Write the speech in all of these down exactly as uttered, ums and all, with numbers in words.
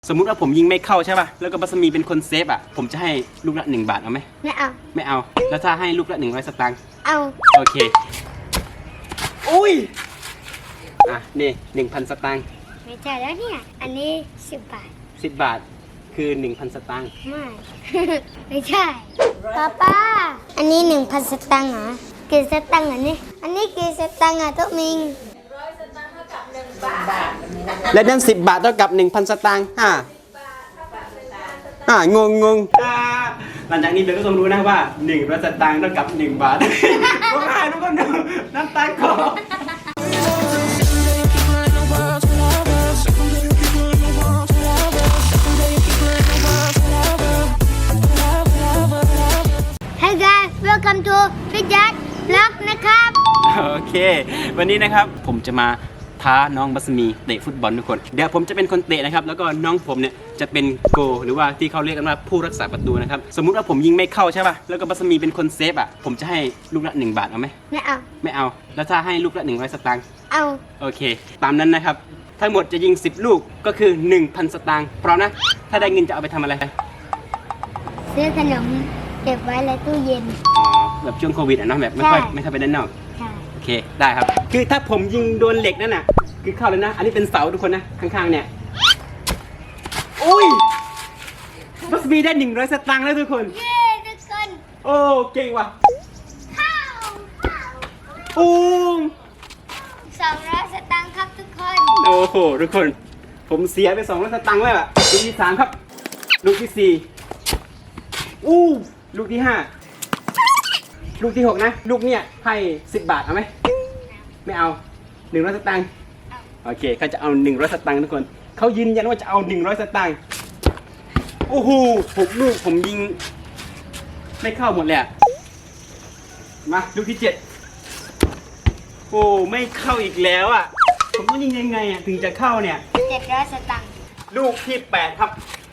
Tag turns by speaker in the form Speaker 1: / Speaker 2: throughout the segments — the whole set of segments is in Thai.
Speaker 1: สมมุติว่าผมยิงไม่เข้าใช่ป่ะแล้วก็บัสมีเป็นคนเซฟอ่ะผมจะให้ลูกละหนึ่งบาทเอาไหม
Speaker 2: ไม่เอา
Speaker 1: ไม่เอาแล้วถ้าให้ลูกละหนึ่งร้อยสตางค์
Speaker 2: เอา
Speaker 1: โอเคอุ้ยอ่ะนี่หนึ่งพันสตางค์
Speaker 2: ไม่ใช่แล้วเนี่ยอันนี้สิบบาท
Speaker 1: สิบบาทคือหนึ่งพันสตางค์
Speaker 2: ไม่ ไม่ใช่ป้าป้าอันนี้หนึ่งพันสตางค์เหรอกี่สตางค์อันนี้อันนี้กี่สตางค์อ่ะทุกมิง
Speaker 3: ร้อยสตางค์เท่ากับหนึ่งบาท
Speaker 1: และนั่นสิบบาทเท่ากับหนึ่งพันสตางค์อ่าอ่างงงงหลังจากนี้เบลก็ต้องรู้นะว่าหนึ่งร้อยสตางค์เท่ากับหนึ่งบาทร้องไห้ทุกคนดูน้ำตาคลอ
Speaker 2: Hey guys welcome to พี่จัดล็อกนะครับ
Speaker 1: โอเควันนี้นะครับผมจะมาท้าน้องบัสมีเตะฟุตบอลทุกคนเดี๋ยวผมจะเป็นคนเตะนะครับแล้วก็น้องผมเนี่ยจะเป็นโกหรือว่าที่เขาเรียกกันว่าผู้รักษาประตูนะครับสมมุติว่าผมยิงไม่เข้าใช่ป่ะแล้วก็บัสมีเป็นคนเซฟอ่ะผมจะให้ลูกละหนึ่งบาทเอาไหม
Speaker 2: ไม่เอา
Speaker 1: ไม่เอาแล้วถ้าให้ลูกละหนึ่งร้อยสตางค์
Speaker 2: เอา
Speaker 1: โอเคตามนั้นนะครับทั้งหมดจะยิงสิบลูกก็คือ หนึ่งพัน สตางค์พร้อมนะถ้าได้เงินจะเอาไปทำอะไร
Speaker 2: ซื้อขนมเก็บไว้ในตู้เย็น
Speaker 1: อ๋อแบบช่วงโควิดอ่ะเนาะแบบไม่ค่อยไม่ค่อยไปด้านนอกโอเคได้ครับคือถ้าผมยิงโดนเหล็กนั่นน่ะคือเข้าเลยนะอันนี้เป็นเสาทุกคนนะข้างๆเนี่ยอุ้ยบัสมีได้หนึ่งร้อยสตางค์แล้วทุกคน
Speaker 2: เย้ทุกคน
Speaker 1: โอ้เก่งว่ะ
Speaker 2: ข้าว
Speaker 1: อู้
Speaker 2: สองร้อยสตางค์ครับทุกคน
Speaker 1: โอ้โหทุกคนผมเสียไปสองร้อยสตางค์แล้วอ่ะลูกที่สามครับลูกที่สี่อู้ลูกที่ห้าลูกที่หกนะลูกเนี่ยให้สิบบาทเอาไหมไม่เอาหนึ่งร้อยสตางค์โอเคเขาจะเอาหนึ่งร้อยสตางค์ทุกคนเขายืนยันว่าจะเอาหนึ่งร้อยสตางค์โอ้โหหกลูกผมยิงไม่เข้าหมดเลยมาลูกที่เจ็ดโอ้ไม่เข้าอีกแล้วอ่ะผมต้องยิงยังไงอ่ะถึงจะเข้าเนี่ย
Speaker 2: เจ็ดร้อยสตางค์
Speaker 1: ลูกที่แปดครับ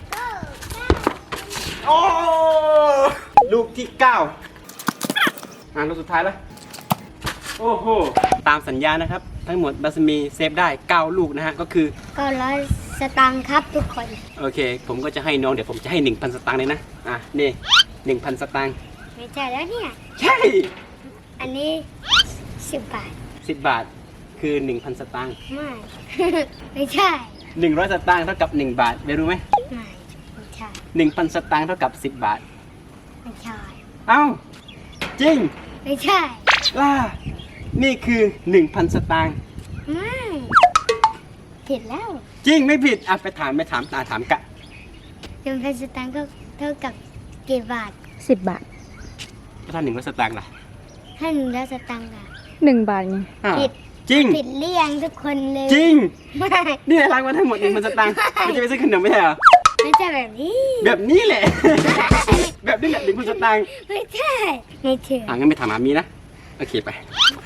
Speaker 1: โอ้ลูกที่เก้าอ่าลูกสุดท้ายแล้วโอ้โหตามสัญญานะครับทั้งหมดบัสมีเซฟได้เก้าลูกนะฮะก็คือ
Speaker 2: เก้าร้อยสตางค์ครับทุกคน
Speaker 1: โอเคผมก็จะให้น้องเดี๋ยวผมจะให้ หนึ่งพัน สตางค์เลยนะอ่ะนี่ หนึ่งพัน สตางค์
Speaker 2: ไม่ใช่แล้วเนี่ย
Speaker 1: ใช่
Speaker 2: อันนี้สิบบาท
Speaker 1: สิบบาทคือ หนึ่งพัน สตางค์
Speaker 2: ไม่ ไม่ใช่
Speaker 1: หนึ่งร้อยสตางค์เท่ากับหนึ่งบาทได้รู้ไหม
Speaker 2: ไม่ไม่ใช่
Speaker 1: หนึ่งพัน สตางค์เท่ากับสิบบาท
Speaker 2: ไม่ใช่
Speaker 1: เอ้าจริง
Speaker 2: ไม่ใช่
Speaker 1: ล่านี่คือ หนึ่งพัน สตางค์
Speaker 2: ไม่ผิดแล้ว
Speaker 1: จริงไม่ผิดอ่ะไปถามไปถามตาถามกะ
Speaker 2: หนึ่งพันสตางค์ก็เท่ากับกี่บาท
Speaker 3: สิบบาท
Speaker 1: ถ้าหนึ่งร้อยสตางค์ล่ะ
Speaker 2: ถ้าหนึ่งร้อยสตางค์ล่ะ
Speaker 3: หนึ่งบาทไง
Speaker 2: ผิด
Speaker 1: จริง
Speaker 2: ผิดเรียงทุกคนเลย
Speaker 1: จริง
Speaker 2: ไม่
Speaker 1: นี่รางวัลทั้งหมดหนึ่งพันสตางค์ไม่จะไปซื้อขนมไม่ใช่เหรอ
Speaker 2: ไม่ใช่แบบนี้
Speaker 1: แบบนี้แหละแบบนี้แหละหนึ่งพันสตางค์
Speaker 2: ไม่ใช่ไม่เชื่อ
Speaker 1: อ่ะงั้นไปถามอามีนะโอเคไป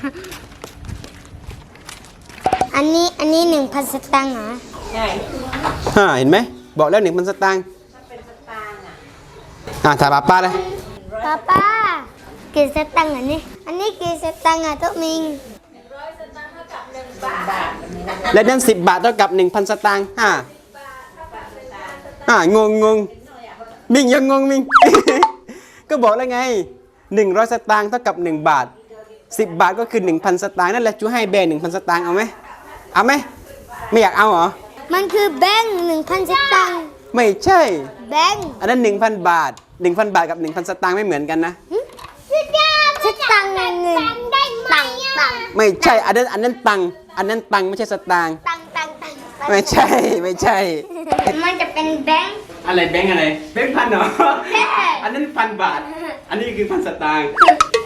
Speaker 2: อันนี้อันนี้หนึ่งพันสตางค์เหรอ
Speaker 3: ใช่
Speaker 1: ฮ่าเห็นไหมบอกแล้วหนึ่งพันสตางค์
Speaker 3: ถ้าเป็นสตางค์อ่ะ
Speaker 1: อ่ะถามป้าป้าเลย
Speaker 2: ป้าป้ากี่สตางค์อันนี้อันนี้กี่สตางค์อ่ะทุกมิง
Speaker 3: ร้อยสตางค์เท่ากับหนึ่งบาท
Speaker 1: และนั่นสิบบาทเท่ากับหนึ่งพันสตางค์ฮ่าอ่างงงงมิงยังงงมิง ก็บอกแล้วไงหนึ่งร้อยสตางค์เท่ากับหนึ่งบาทสิบบาทก็คือหนึ่งพันสตางค์นั่นแหละจูให้แบงค์หนึ่งพันสตางค์เอาไหมเอาไหมไม่อยากเอาเหรอ
Speaker 2: มันคือแบงค์หนึ่งพันสตางค์
Speaker 1: ไม่ใช่
Speaker 2: แบงค์
Speaker 1: อันนั้นหนึ่งพันบาทหนึ่งพันบาทกับหนึ่งพันสตางค์ไม่เหมือนกันนะ
Speaker 2: สตางค์เงินตังตัง
Speaker 1: ไม่ใช่อันนั้นอันนั้นตังอันนั้นตังไม่ใช่สตางค์
Speaker 2: ตังตังตัง
Speaker 1: ไม่ใช่ไม่ใช่
Speaker 2: มันจะเป็นแบงค์
Speaker 1: อะไรแบงค์อะไรแบงค์พันเหรออันนั้นพันบาทอันนี้คือพันสตางค์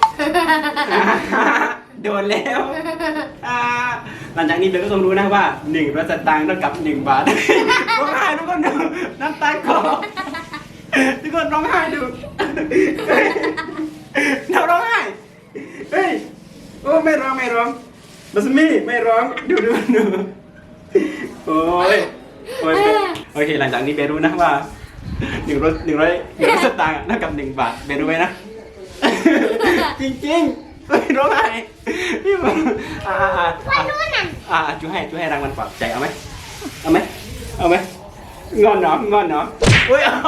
Speaker 1: โดนแล้วหลังจากนี้เบลก็ต้องรู้นะว่าหนึ่งร้อยสตางค์เท่ากับหนึ่งบาทร้องไห้ทุกคนดูน้ำตาคลอทุกคนร้องไห้ดูเราร้องไห้เฮ้ยโอ้ไม่ร้องไม่ร้องบัสมี่ไม่ร้องดูดูดูโอ้ยโอ้ยโอเคหลังจากนี้เบลรู้นะว่าหนึ่งร้อยหนึ่งร้อยหนึ่งร้อยสตางค์เท่ากับหนึ่งบาทเบลรู้ไหมนะจริงจริงไม่ร้องไห้พี่บอกอ่าอ่าอ่าอ่าจูให้จูให้รางวัลปลอบใจเอาไหมเอาไหมเอาไหมงอนเหรองอนเหรออุ้ยเอา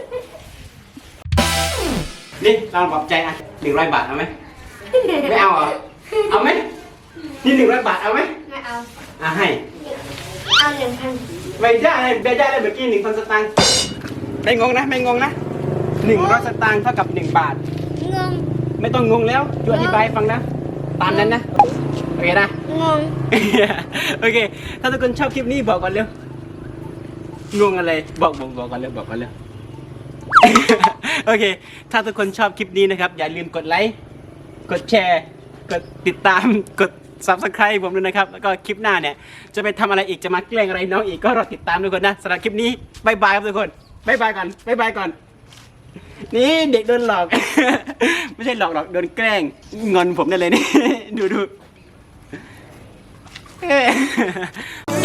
Speaker 1: นี่เราปลอบใจอ่ะหนึ่งร้อยบาทเอาไหมไม่เอาเหรอเอาไหมนี่หนึ่งร้อยบาทเอาไหม
Speaker 2: ไม่เอา
Speaker 1: อ่ะให้
Speaker 2: เอาหนึ่งพัน
Speaker 1: ไม่ได้ไม่ได้เลยเมื่อกี้หนึ่งพันสตางค์ไม่งงนะไม่งงนะหนึ่งร้อยสตางค์เท่ากับหนึ่งบาท
Speaker 2: งง
Speaker 1: ไม่ต้องงงแล้วช่วยอธิบายให้ฟังนะตามนั้นนะโอเคนะ
Speaker 2: งง
Speaker 1: โอเค ถ้าทุกคนชอบคลิปนี้บอกก่อนเร็วงงอะไรบอกบอกบอกก่อนเร็วบอกก่อนเร็ว โอเค ถ้าทุกคนชอบคลิปนี้นะครับอย่าลืมกดไลค์กดแชร์กดติดตามกด ซับสไครบ์ ผมด้วยนะครับแล้วก็คลิปหน้าเนี่ยจะไปทำอะไรอีกจะมาแกล้งอะไรน้องอีกก็รอติดตามทุกคนนะสำหรับคลิปนี้บายบายครับทุกคนบายบายก่อนบายบายก่อนนี่เด็กโดนหลอก ไม่ใช่หลอกหรอกโดนแกล้งงอนผมได้เลยนี่ ดูดูเอ้ย